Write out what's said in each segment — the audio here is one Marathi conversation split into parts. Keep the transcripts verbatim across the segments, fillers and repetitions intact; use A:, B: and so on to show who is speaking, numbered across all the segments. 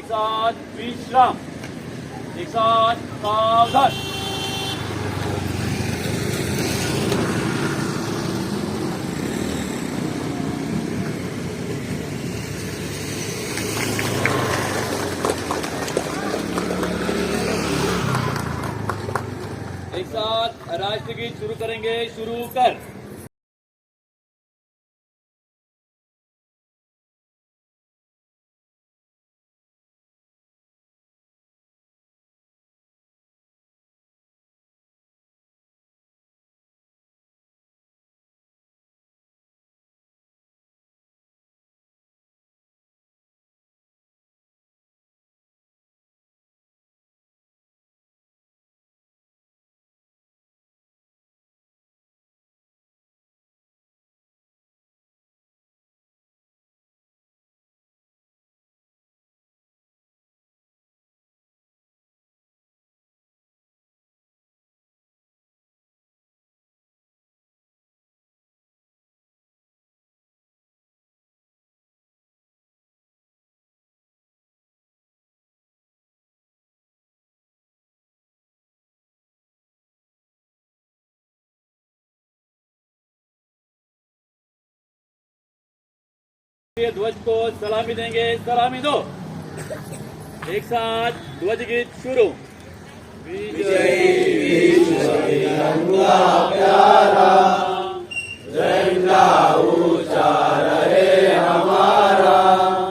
A: साथ विश्राम. एक साथ सावधान. एक साथ राष्ट्रगीत शुरू करेंगे. शुरू कर. ध्वज को सलामी देंगे. सलामी दो. एक साथ ध्वज गीत शुरू.
B: विजयी विश्व तिरंगा प्यारा, झंडा ऊंचा रहे हमारा.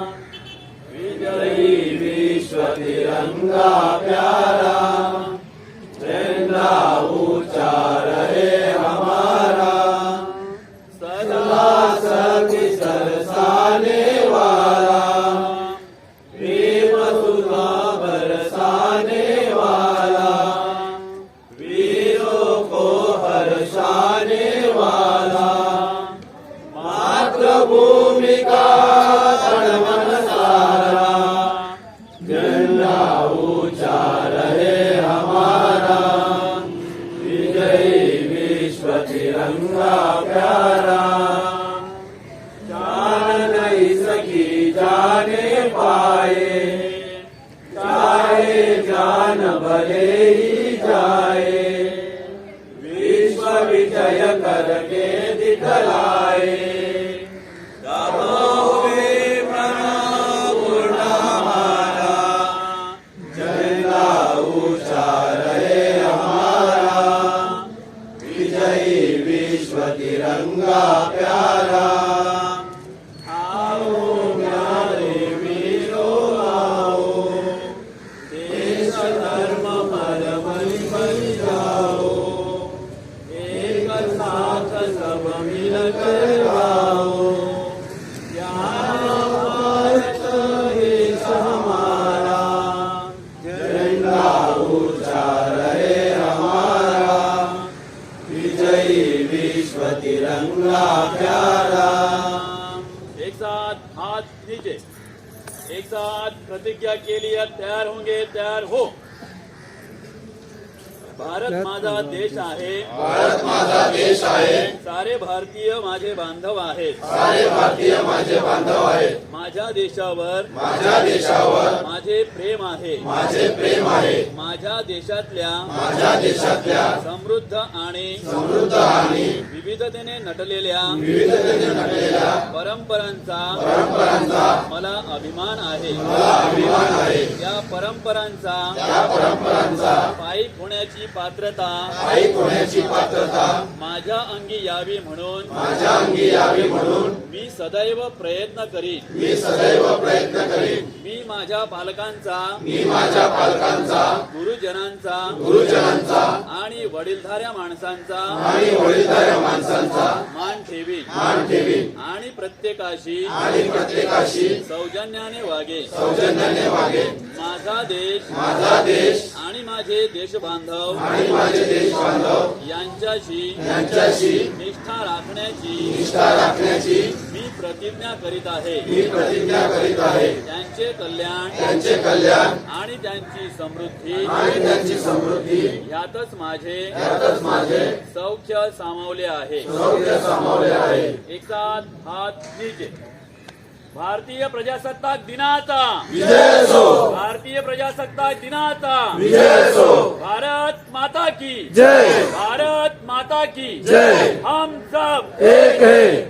B: विजयी विश्व तिरंगा प्यारा, झंडा ऊंचा रहे हमारा. सदा सभी सरसाने वाला, प्रेम सुधा बरसाने वाला, वीरों को हर्षाने वाला. मातृभूमि का तन सारा, झंडा ऊंचा रहे हमारा. विजयी विश्व तिरंगा प्यारा, जान नहीं सकी जाने पाए, चाहे जान भले ही जाए. विश्व विजय करके दिखलाए, दबोगे प्रणव पूर्ण हमारा. झंडा ऊंचा रहे हमारा. विजयी विश्व तिरंगा प्यारा. आओ प्यारे वीरों आओ, देश धर्म पर बलि बन जाओ. एक साथ सब मिलकर आओ. यहाँ भारत देश हमारा, झंडा ऊंचा रहे हमारा. विजयी विश्व तिरंगा प्यारा.
A: एक साथ हाथ नीचे. एक साथ प्रतिज्ञा के लिए तैयार होंगे. तैयार हो. भारत माझा देश आहे.
B: भारत माझा देश आहे.
A: सारे भारतीय माझे बांधव आहेत.
B: सारे भारतीय माझे बांधव आहेत.
A: माझ्या देशावर
B: माझ्या देशावर
A: माझे प्रेम आहे.
B: माझे प्रेम आहे.
A: माझ्या देशातल्या
B: माझ्या देशातल्या
A: समृद्ध आणि
B: समृद्ध आणि
A: विविधतेने नटलेल्या
B: विविधतेने नटलेल्या
A: परंपरांचा
B: परंपरांचा
A: मला अभिमान आहे.
B: मला अभिमान आहे.
A: या परंपरांचा
B: या परंपरांचा
A: पायीक होण्याची पात्रता
B: पायीक होण्याची पात्रता
A: माझ्या अंगी यावी म्हणून
B: माझ्या अंगी यावी म्हणून
A: मी सदैव प्रयत्न करीन.
B: मी सदैव प्रयत्न करीन.
A: मी माझ्या पालकांचा
B: मी माझ्या पालकांचा
A: गुरुजनांचा
B: गुरुजनांचा
A: आणि वडीलधाऱ्या माणसांचा
B: आणि वडीलधाऱ्या माणसांचा
A: मान ठेवीन.
B: मान ठेवीन.
A: आणि प्रत्येकाशी
B: आणि प्रत्येकाशी
A: सौजन्याने वागे.
B: सौजन्याने वागे.
A: माझा देश
B: माझा देश
A: आणि माझे देशबांधव
B: आणि माझे देश बांधव
A: यांच्याशी
B: यांच्याशी
A: निष्ठा राखण्याची
B: निष्ठा राखण्याची
A: मी प्रतिज्ञा करीत आहे.
B: मी प्रतिज्ञा करीत आहे.
A: त्यांचे कल्याण
B: त्यांचे कल्याण
A: आणि त्यांची समृद्धी
B: आणि त्यांची समृद्धी
A: यातच माझे
B: यातच माझे
A: सौख्य सामावले आहे.
B: सौख्य सामावले आहे.
A: एक साथ हात नीचे. भारतीय प्रजासत्ताक दिनाचा
B: विजय असो
A: भारतीय प्रजासत्ताक दिनाचा
B: विजय असो
A: भारत माता की
B: जय
A: भारत माता की
B: जय
A: हम सब
B: एक है